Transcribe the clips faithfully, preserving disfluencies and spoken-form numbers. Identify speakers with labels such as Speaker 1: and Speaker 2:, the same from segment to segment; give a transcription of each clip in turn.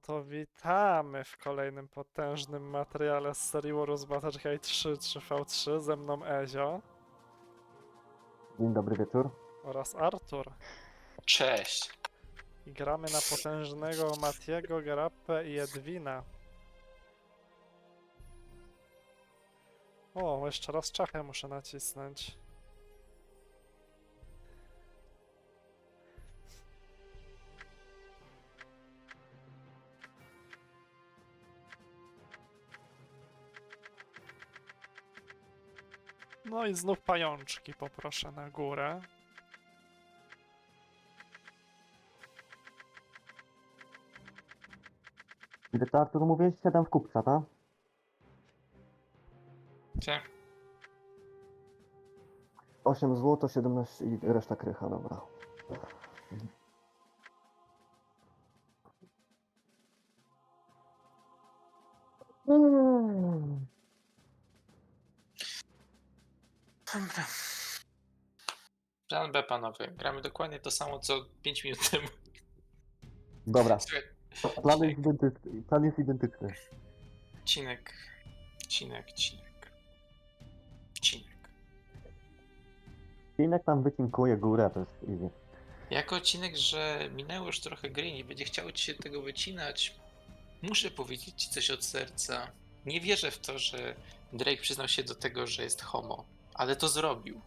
Speaker 1: to witamy w kolejnym potężnym materiale z serii Warus Battle trzy trzy v trzy. Ze mną Ezio
Speaker 2: Dzień dobry wieczór.
Speaker 1: oraz Artur.
Speaker 3: Cześć.
Speaker 1: I gramy na potężnego Matiego, Gerappę i Edwina. O, jeszcze raz czachę muszę nacisnąć. No i znów pajączki poproszę na górę.
Speaker 2: Gdy to Artur mówię, siadam w kupca, tak?
Speaker 3: Gdzie?
Speaker 2: osiem złotych, siedemnaście i reszta krycha, dobra. Mm.
Speaker 3: Dobra. Plan B, panowie. Gramy dokładnie to samo, co pięć minut temu.
Speaker 2: Dobra,
Speaker 3: Słuchaj,
Speaker 2: plan jest identyczny. Plan jest identyczny.
Speaker 3: cinek, cinek, cinek, cinek.
Speaker 2: Cinek tam wycinkuje górę, to jest easy.
Speaker 3: Jako odcinek, że minęło już trochę gry, nie będzie chciało ci się tego wycinać, muszę powiedzieć ci coś od serca. Nie wierzę w to, że Drake przyznał się do tego, że jest homo, ale to zrobił.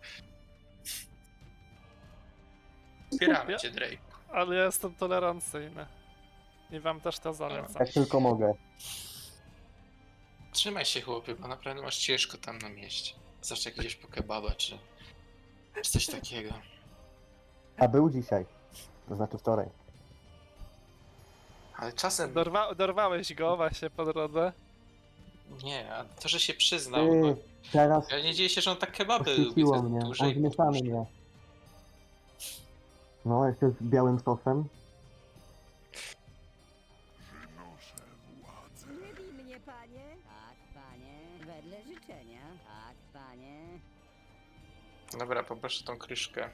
Speaker 3: Wspieramy
Speaker 1: Ja-
Speaker 3: cię, Drake.
Speaker 1: Ale ja jestem tolerancyjny. I wam też to zalecam.
Speaker 2: Jak tylko mogę.
Speaker 3: Trzymaj się, chłopie, bo naprawdę masz ciężko tam na mieście. Zawsze jak idziesz po kebaba, czy, czy coś takiego.
Speaker 2: A był dzisiaj. To znaczy wczoraj.
Speaker 3: Ale czasem...
Speaker 1: Dorwa dorwałeś go właśnie po drodze.
Speaker 3: Nie, a to, że się przyznał...
Speaker 2: Ty,
Speaker 3: No,
Speaker 2: teraz
Speaker 3: ja nie dzieje się, że on tak kebaby lubi
Speaker 2: oświeciło
Speaker 3: za
Speaker 2: mnie.
Speaker 3: dłużej.
Speaker 2: On zmieszany mnie. No, jeszcze z białym sosem.
Speaker 4: Nie bij mnie, panie. Tak, panie. Wedle życzenia. Tak, panie.
Speaker 3: Dobra, poproszę tą kryszkę.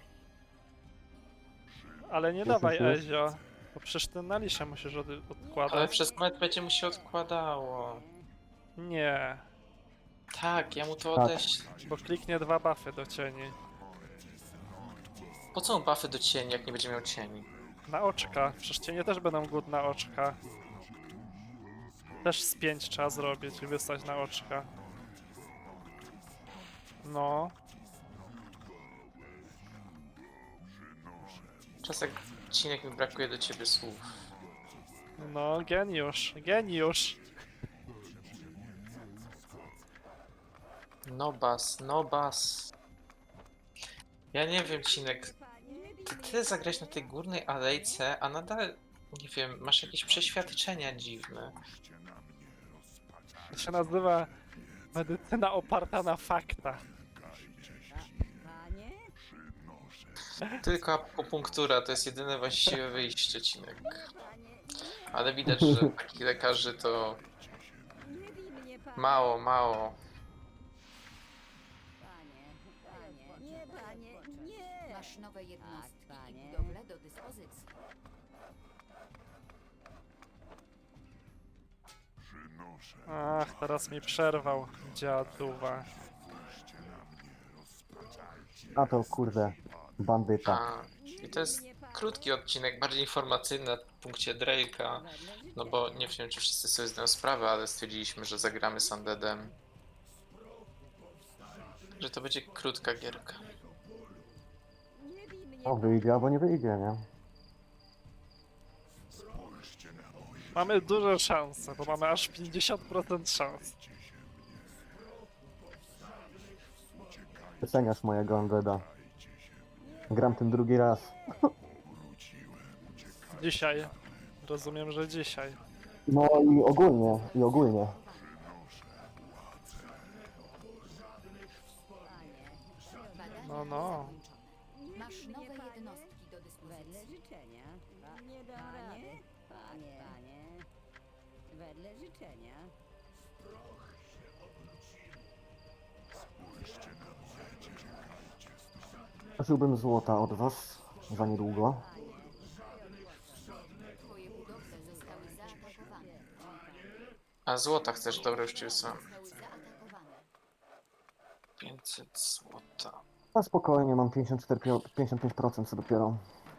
Speaker 1: Ale nie
Speaker 2: Już,
Speaker 1: dawaj
Speaker 2: już, już.
Speaker 1: Ezio. Bo przecież ty na liszę musisz od
Speaker 3: Ale
Speaker 1: odkładać.
Speaker 3: przez moment będzie mu się odkładało.
Speaker 1: Nie,
Speaker 3: Tak, ja mu to
Speaker 2: Tak.
Speaker 3: odeślę.
Speaker 1: bo kliknie dwa buffy do cieni.
Speaker 3: Po co on buffy do cieni, jak nie będzie miał cieni?
Speaker 1: Na oczka. Przecież cienie też będą good na oczka. Też z pięć trzeba zrobić i wystać na oczka. No.
Speaker 3: Czasem cinek mi brakuje do ciebie słów.
Speaker 1: No, geniusz, geniusz.
Speaker 3: No bas, no bas. Ja nie wiem, Cinek,
Speaker 4: Panie.
Speaker 3: ty tyle zagrałeś na tej górnej alejce, a nadal, nie wiem, masz jakieś przeświadczenia dziwne.
Speaker 1: To się nazywa medycyna oparta na faktach.
Speaker 4: Panie?
Speaker 3: Tylko akupunktura to jest jedyne właściwe wyjście, Cinek.
Speaker 4: Panie.
Speaker 3: Ale widać, że takich lekarzy to
Speaker 4: Nie bij mnie, panie.
Speaker 3: mało, mało.
Speaker 4: Panie. Panie. Nie, panie. Nie.
Speaker 5: Masz nowe jednostki
Speaker 4: Tak,
Speaker 5: i
Speaker 4: panie.
Speaker 5: budowle do dyspozycji.
Speaker 1: Ach, teraz mi przerwał dziaduwa.
Speaker 2: A to kurde, bandyta.
Speaker 3: A, i to jest krótki odcinek, bardziej informacyjny na punkcie Drake'a. No bo nie wiem, czy wszyscy sobie zdają sprawę, ale stwierdziliśmy, że zagramy z Undeadem. Że to będzie krótka gierka.
Speaker 4: Nie bij mnie.
Speaker 2: O, wyjdzie albo nie wyjdzie, nie?
Speaker 1: Mamy duże szanse, bo mamy aż pięćdziesiąt procent szans.
Speaker 2: Doceniasz mojego Undeada. Gram tym drugi raz.
Speaker 1: Dzisiaj. Rozumiem, że dzisiaj.
Speaker 2: No i ogólnie, i ogólnie.
Speaker 5: Badania
Speaker 1: No, no.
Speaker 5: zakończone. Masz nowe jednostki do
Speaker 4: Wedle
Speaker 5: dyspozycji.
Speaker 4: życzenia. Nie dam rady. Panie. Panie. Wedle życzenia.
Speaker 2: Prosiłbym złota od was za niedługo.
Speaker 5: Twoje budowle zostały zaatakowane.
Speaker 3: A złota chcesz? Dobra, już ci wysłałem.
Speaker 5: Zostały zaatakowane.
Speaker 3: pięćset złota.
Speaker 2: A spokojnie, mam pięćdziesiąt cztery, pięćdziesiąt pięć procent co dopiero.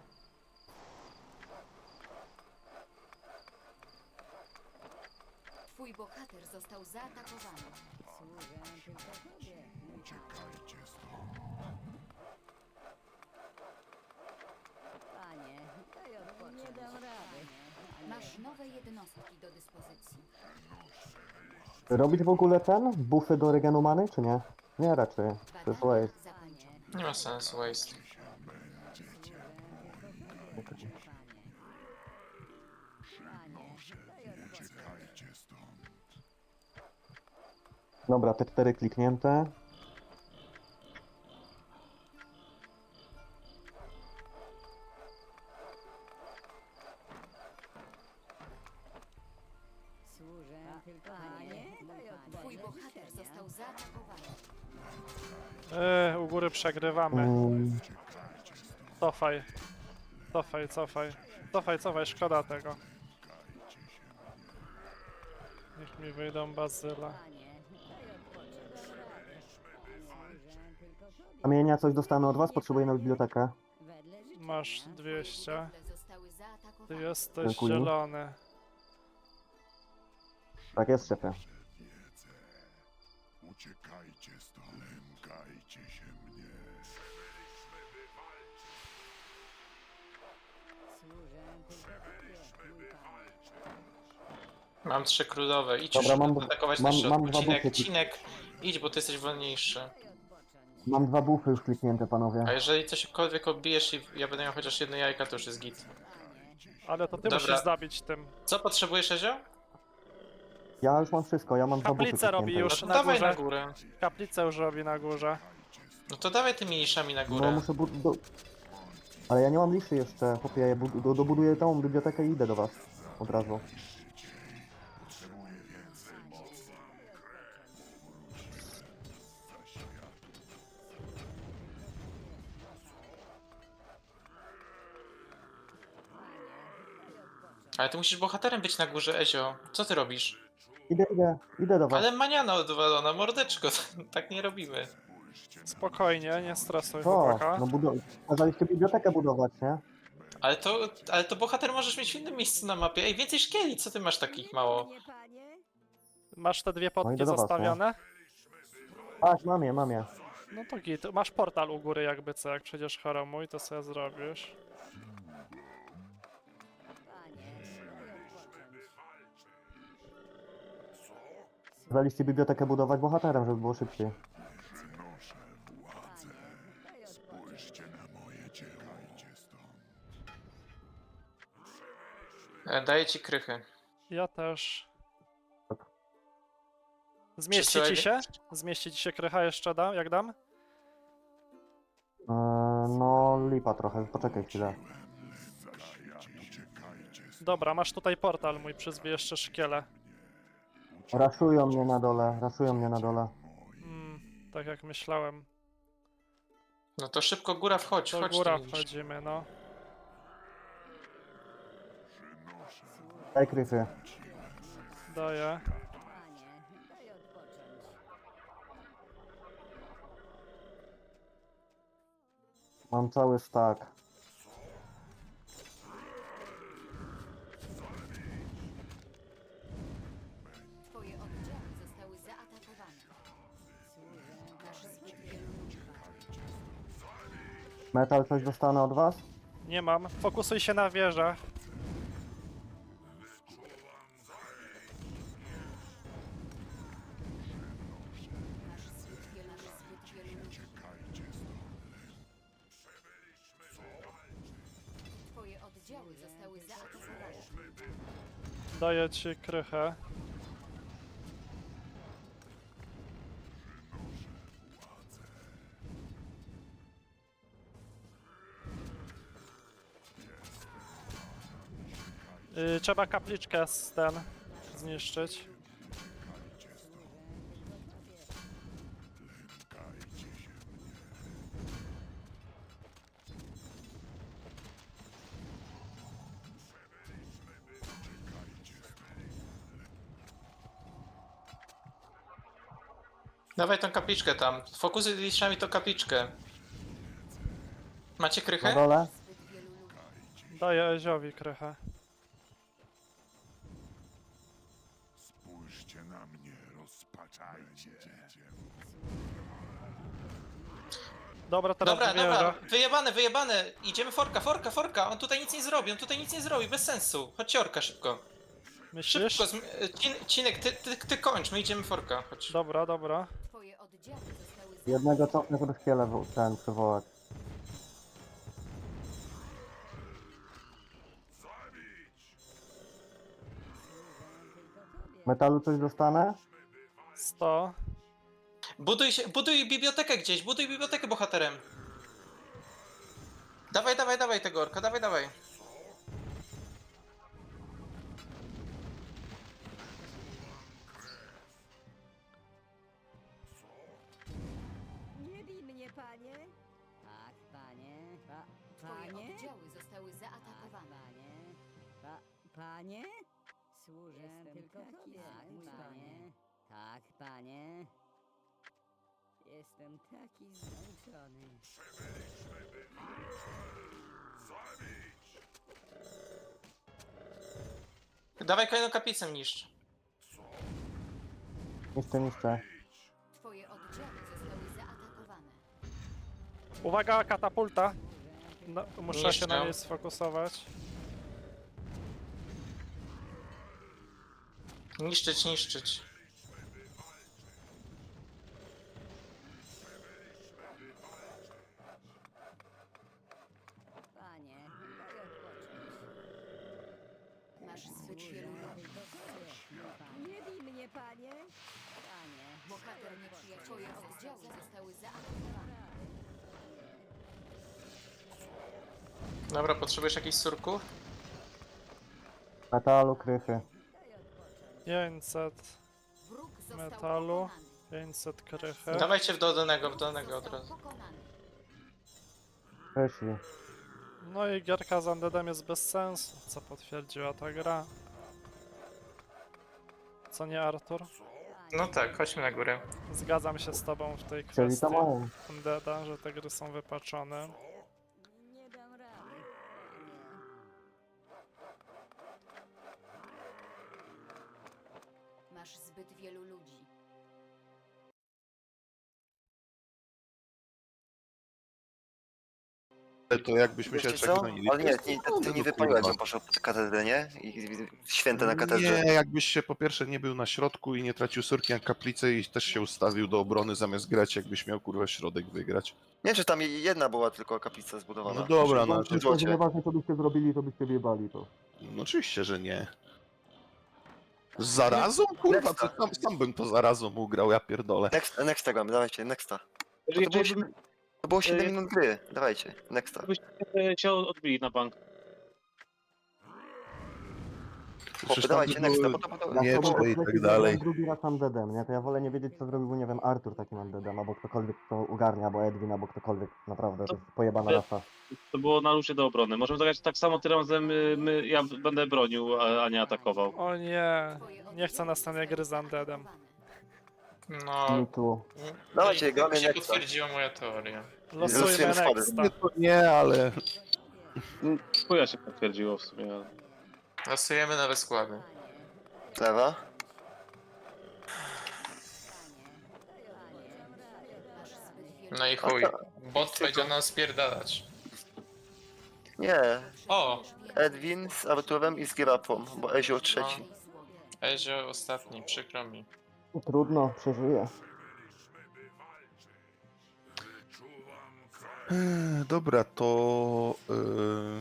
Speaker 5: Twój bohater został zaatakowany.
Speaker 4: Służę tylko tobie, mój panie. Daj odpocząć. Nie dam rady.
Speaker 5: Masz nowe jednostki do dyspozycji.
Speaker 2: Robić w ogóle ten? Buffy do regen many, czy nie? Nie, raczej. To jest
Speaker 5: Badania
Speaker 2: waste.
Speaker 5: zakończone.
Speaker 3: Nie ma sensu, waste.
Speaker 4: Panie, daj odpocząć.
Speaker 2: Dobra, te cztery kliknięte.
Speaker 4: Służę tylko panie. Daj
Speaker 5: Twój
Speaker 4: odpocząć.
Speaker 5: bohater został zaatakowany.
Speaker 1: Yy, u góry przegrywamy.
Speaker 2: Mm,
Speaker 1: Cofaj. Cofaj, cofaj. Cofaj, cofaj, szkoda tego. Niech mi wyjdą bazyla.
Speaker 4: Panie, daj odpocząć. Służę tylko tobie.
Speaker 2: Kamienia coś dostanę od was? Potrzebuję na bibliotekę.
Speaker 4: Wedle życzenia.
Speaker 1: Masz dwieście.
Speaker 5: Budowle zostały
Speaker 1: Ty
Speaker 5: zaatakowane.
Speaker 1: jesteś
Speaker 2: Dziękuję.
Speaker 1: zielony.
Speaker 2: Tak jest, szefie.
Speaker 6: Uciekajcie stąd, lękajcie się mnie.
Speaker 4: Służę tylko tobie, mój panie.
Speaker 3: Mam trzy królowe. Idź
Speaker 2: Dobra,
Speaker 3: już
Speaker 2: mam-
Speaker 3: atakować
Speaker 2: mam-
Speaker 3: na środku.
Speaker 2: mam dwa
Speaker 3: Cinek,
Speaker 2: buty.
Speaker 3: Cinek, idź, bo ty jesteś wolniejszy.
Speaker 4: Daj odpocząć.
Speaker 2: Mam dwa buffy już kliknięte, panowie.
Speaker 3: A jeżeli cośkolwiek odbijesz i ja będę miał chociaż jedno jajka, to już jest git.
Speaker 4: Panie,
Speaker 1: Ale to ty
Speaker 3: Dobra.
Speaker 1: musisz zabić tym.
Speaker 3: Co potrzebujesz, Ezio?
Speaker 2: Ja już mam wszystko, ja mam dwa buffy
Speaker 1: Kaplicę robi
Speaker 2: kliknięte.
Speaker 1: już
Speaker 3: No
Speaker 1: na
Speaker 3: to dawaj
Speaker 1: górze.
Speaker 3: na górę.
Speaker 1: Kaplicę już robi na górze.
Speaker 3: No to dawaj tymi niszami na
Speaker 2: No
Speaker 3: górę.
Speaker 2: muszę bud... Do... Ale ja nie mam liszy jeszcze, chłopie, ja bud... do- dobuduję tą bibliotekę i idę do was. Od razu.
Speaker 3: Ale ty musisz bohaterem być na górze, Ezio. Co ty robisz?
Speaker 2: Idę, idę, idę do was.
Speaker 3: Ale maniana odwalona, mordeczko, tak nie robimy.
Speaker 1: Spokojnie, nie stresuj
Speaker 2: Co?
Speaker 1: chłopaka.
Speaker 2: No budu... Kazaliście bibliotekę budować, nie?
Speaker 3: Ale to, ale to bohater możesz mieć w innym miejscu na mapie. Ej, więcej szkieli, co ty masz takich mało?
Speaker 4: Nie, panie.
Speaker 1: Masz te dwie
Speaker 2: No
Speaker 1: potki
Speaker 2: idę do was,
Speaker 1: zostawione?
Speaker 2: Tak, mam je, mam je.
Speaker 1: No to git. Masz portal u góry jakby co, jak przejdziesz choromuj, to sobie zrobisz.
Speaker 4: Panie, daj odpocząć.
Speaker 2: Kazaliście bibliotekę budować bohaterem, żeby było szybciej.
Speaker 4: Panie, daj odpocząć.
Speaker 6: Spójrzcie na moje dzieło. Stąd.
Speaker 3: E, Daję ci krychy.
Speaker 1: Ja też. Zmieści
Speaker 3: Przesyłaj
Speaker 1: ci
Speaker 3: mi-
Speaker 1: się? Zmieści ci się krycha jeszcze dam, jak dam?
Speaker 2: Eee, no, lipa trochę, poczekaj chwilę.
Speaker 1: Dobra, masz tutaj portal mój, przyzwij jeszcze szkiele.
Speaker 2: Raszują mnie na dole, raszują mnie na dole.
Speaker 1: Mm, tak jak myślałem.
Speaker 3: No to szybko góra wchodź,
Speaker 1: Do
Speaker 3: wchodź
Speaker 1: góra
Speaker 3: tu.
Speaker 1: wchodzimy, no.
Speaker 2: Daj krychy.
Speaker 1: Daję.
Speaker 4: Panie, daj odpocząć.
Speaker 2: Mam cały stack.
Speaker 5: Twoje oddziały zostały zaatakowane. Masz zbyt wielu ludzi.
Speaker 2: Metal coś dostanę od was?
Speaker 1: Nie mam. Fokusuj się na wieżę.
Speaker 5: Masz zbyt wielu, masz zbyt wielu ludzi. Twoje oddziały zostały zaatakowane.
Speaker 1: Daję ci krychę. Yy, trzeba kapliczkę z ten zniszczyć.
Speaker 3: Dawaj tą kapliczkę tam. Fokusy liczami to kapliczkę. Macie
Speaker 2: Na
Speaker 3: krychę?
Speaker 2: dole.
Speaker 5: Zbyt wielu ludzi.
Speaker 1: Daję Eziowi krychę.
Speaker 6: Spójrzcie na mnie, rozpaczajcie.
Speaker 1: Dobra, teraz
Speaker 3: Dobra,
Speaker 1: wieża.
Speaker 3: dobra, wyjebane, wyjebane. Idziemy forka, forka, forka. On tutaj nic nie zrobi, on tutaj nic nie zrobi, bez sensu. Chodźcie orka szybko.
Speaker 1: Myślisz?
Speaker 3: Szybko, zm- e, Cin- Cinek, ty, ty, ty kończ, my idziemy forka, chodź.
Speaker 1: Dobra, dobra.
Speaker 5: Twoje oddziały zostały
Speaker 2: Jednego cofnę, żeby chwilę w- ten przywołać. Metalu coś dostanę?
Speaker 1: sto.
Speaker 3: Buduj się, buduj bibliotekę gdzieś, buduj bibliotekę bohaterem. Dawaj, dawaj, dawaj tego orka, dawaj, dawaj.
Speaker 4: Nie bij mnie, panie. Tak, panie. Pa,
Speaker 5: Twoje
Speaker 4: panie?
Speaker 5: oddziały zostały
Speaker 4: Tak,
Speaker 5: zaatakowane.
Speaker 4: panie. Pa, panie? Służę tylko tobie, tak, mój panie. Tak, panie. Jestem taki zmęczony.
Speaker 3: Dawaj kolejną kaplicę niszcz.
Speaker 2: Niszczę, niszczę.
Speaker 5: Twoje oddziały zostały zaatakowane.
Speaker 1: Uwaga, katapulta. No, muszę się na
Speaker 3: Niszczę.
Speaker 1: niej sfokusować.
Speaker 3: Niszczyć, niszczyć.
Speaker 4: Panie, daj odpocząć.
Speaker 5: Masz zbyt wielu ludzi.
Speaker 4: Nie bij mnie, panie. Panie,
Speaker 5: Bohater nieprzyjaciela. Twoje oddziały zostały zaatakowane.
Speaker 3: Dobra, potrzebujesz jakichś surków?
Speaker 2: Metalu, krychy.
Speaker 1: pięćset
Speaker 5: Wróg został
Speaker 1: metalu,
Speaker 5: pokonany.
Speaker 1: pięćset krychy.
Speaker 3: Dawajcie w dolnego, w
Speaker 5: Wróg
Speaker 3: dolnego od
Speaker 5: został
Speaker 3: razu.
Speaker 5: pokonany.
Speaker 2: Krysi.
Speaker 1: No i gierka z Undeadem jest bez sensu, co potwierdziła ta gra. Co nie, Artur?
Speaker 3: No tak, chodźmy na górę.
Speaker 1: Zgadzam się z tobą w tej
Speaker 2: Czyli
Speaker 1: kwestii
Speaker 2: to mają.
Speaker 1: Undeada, że te gry są wypaczone.
Speaker 4: nie dam rady.
Speaker 5: Masz zbyt wielu ludzi.
Speaker 7: To jakbyśmy się
Speaker 8: Wiecie
Speaker 7: tak
Speaker 8: co?
Speaker 7: znali.
Speaker 8: Ale nie, nie, ty, ty nie wypaliłeś, on poszedł pod katedrę, nie? I, i święte na katedrze.
Speaker 7: Nie, jakbyś się po pierwsze nie był na środku i nie tracił surki na kaplicę i też się ustawił do obrony zamiast grać, jakbyś miał kurwa środek wygrać.
Speaker 8: Nie, czy tam jedna była tylko kaplica zbudowana.
Speaker 7: No dobra, no,
Speaker 8: Przy
Speaker 2: Myślę, że
Speaker 8: złocie.
Speaker 2: nieważne co byście zrobili, to byście wjebali to.
Speaker 7: no oczywiście, że nie. Z zarazą? Kurwa, co tam, sam bym to zarazą ugrał, ja pierdolę.
Speaker 8: Next, nexta gramy, dawajcie, nexta. To,
Speaker 9: Jeżeli
Speaker 8: to było,
Speaker 9: chcielibyśmy,
Speaker 8: siedem- to było siedem minut gry, dawajcie, nexta.
Speaker 9: byśmy się odbili na bank.
Speaker 7: Przecież tam
Speaker 8: dawajcie,
Speaker 7: były
Speaker 8: next, bo to- bo to-
Speaker 2: Ja
Speaker 7: miecze
Speaker 2: sobie
Speaker 7: i tak
Speaker 2: odkrycie
Speaker 7: dalej.
Speaker 2: zrobiłem drugi raz undeadem, nie? To ja wolę nie wiedzieć co zrobił, nie wiem, Artur takim undeadem, albo ktokolwiek kto ogarnia, albo Edwin, albo ktokolwiek, naprawdę, to jest pojebana
Speaker 9: To-
Speaker 2: rasa.
Speaker 9: To było na luzie do obrony. Możemy zagrać tak samo tym razem, y, my, ja będę bronił, a, a nie atakował.
Speaker 1: O nie,
Speaker 5: Twoje
Speaker 1: nie chcę
Speaker 5: oddziały
Speaker 1: następnej gry z
Speaker 5: zostały
Speaker 1: Undeadem.
Speaker 5: zaatakowane.
Speaker 3: No,
Speaker 2: Mi tu.
Speaker 8: Dawajcie, gramy
Speaker 3: się
Speaker 8: nexta.
Speaker 3: potwierdziła moja teoria.
Speaker 1: Losujmy
Speaker 8: Losujemy schody.
Speaker 1: nexta.
Speaker 7: Nie, to nie, ale
Speaker 9: Chuja się potwierdziło w sumie. ale-
Speaker 3: Losujemy nowe składy.
Speaker 8: Lewa.
Speaker 5: Masz zbyt wielu
Speaker 3: No i chuj. Bot będzie nam spierdalać.
Speaker 8: Nie,
Speaker 3: O!
Speaker 8: Edwin z Arturem i z Girapą, bo Ezio trzeci.
Speaker 3: Ezio ostatni, przykro mi.
Speaker 2: Trudno, przeżyję.
Speaker 7: Eee, dobra, to... Yy,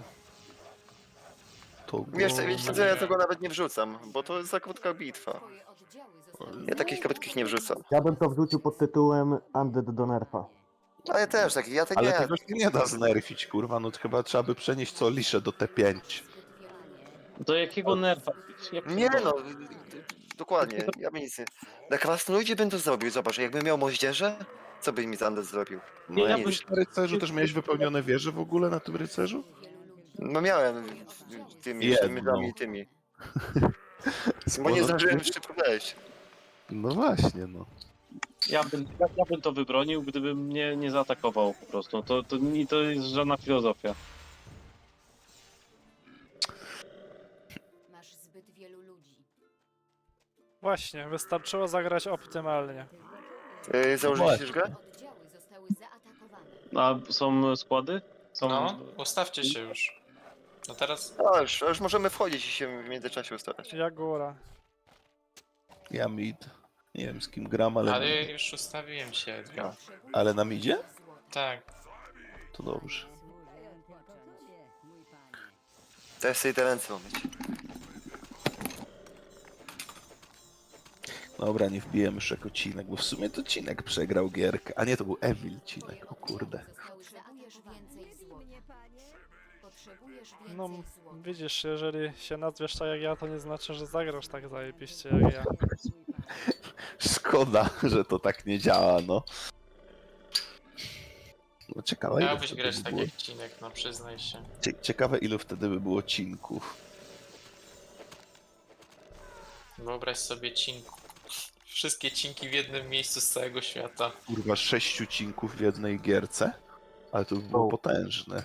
Speaker 7: to
Speaker 8: Wiesz,
Speaker 7: go-
Speaker 8: wiecie co, ja tego nawet nie wrzucam, bo to jest za krótka bitwa.
Speaker 5: Twoje oddziały zostały
Speaker 8: Ja takich krótkich nie wrzucam.
Speaker 2: Ja bym to wrzucił pod tytułem Undead do nerfa.
Speaker 8: A ja też taki, ja tak
Speaker 7: Ale
Speaker 8: nie.
Speaker 7: tego się nie da znerfić, kurwa, no to chyba trzeba by przenieść co liszę do T pięć.
Speaker 5: zbyt wielu ludzi.
Speaker 9: Do jakiego nerfa? Ja
Speaker 8: Nie
Speaker 9: pierdolę.
Speaker 8: no, dokładnie, ja bym nic nie... Na krasnoludzie bym to zrobił, zobacz, jakbym miał moździerze, co by mi Undead zrobił?
Speaker 7: No
Speaker 8: No
Speaker 7: ja
Speaker 8: nic.
Speaker 7: byś na rycerzu też miałeś wypełnione wieże w ogóle na tym rycerzu?
Speaker 8: No miałem tymi
Speaker 7: Jedną.
Speaker 8: sztymylami i tymi. Bo
Speaker 7: Sporo-
Speaker 8: nie zdążyłem szybko wejść.
Speaker 7: No właśnie, no.
Speaker 9: Ja bym, ja, ja bym to wybronił, gdybym mnie nie zaatakował po prostu. To, to, nie- to jest żadna filozofia.
Speaker 5: Masz zbyt wielu ludzi.
Speaker 1: Właśnie, wystarczyło zagrać optymalnie.
Speaker 8: Yy, założyliście już grę?
Speaker 5: Oddziały zostały zaatakowane.
Speaker 9: A są składy? Są...
Speaker 3: No, ustawcie się już. No teraz
Speaker 8: A, już, już możemy wchodzić i się w międzyczasie ustawiać.
Speaker 1: Ja góra.
Speaker 7: Ja mid. Nie wiem z kim gram, ale,
Speaker 3: Ale już ustawiłem się, Edgar.
Speaker 5: Potrzebuję
Speaker 7: ale na midzie?
Speaker 5: złota.
Speaker 3: Tak.
Speaker 7: To dobrze.
Speaker 4: Służę tylko tobie, mój panie.
Speaker 8: Teraz sobie te ręce umyć.
Speaker 7: Dobra, nie wbijemy już jako Cinek, bo w sumie to Cinek przegrał gierkę. A nie, to był Evil Cinek, o kurde.
Speaker 5: Zostały zaatakowane. Więcej złota. Potrzebujesz więcej
Speaker 1: No,
Speaker 5: złota.
Speaker 1: widzisz, jeżeli się nazwiesz tak jak ja, to nie znaczy, że zagrasz tak zajebiście jak ja.
Speaker 7: Szkoda, że to tak nie działa, no. No ciekawe, ile
Speaker 3: Miałbyś
Speaker 7: wtedy
Speaker 3: grać
Speaker 7: by
Speaker 3: tak
Speaker 7: było...
Speaker 3: jak Cinek, no przyznaj się.
Speaker 7: Cie- Ciekawe, ilu wtedy by było cinków.
Speaker 3: Wyobraź sobie cinku. Wszystkie cinki w jednym miejscu z całego świata.
Speaker 7: Kurwa, sześciu cinków w jednej gierce? Ale to by było
Speaker 2: O.
Speaker 7: potężne.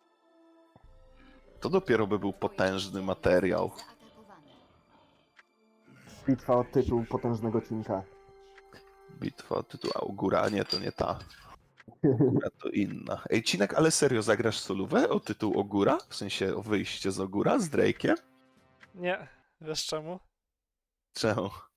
Speaker 7: To dopiero by był potężny materiał.
Speaker 5: Zaatakowane.
Speaker 2: Bitwa o tytuł potężnego cinka.
Speaker 7: Bitwa tytuł Augura, a nie, to nie ta. Ogura to inna. Ej, Cinek, ale serio zagrasz solówę o tytuł Ogura? W sensie o wyjście z Ogura z Drake'iem?
Speaker 1: Nie, wiesz czemu?
Speaker 7: Czemu?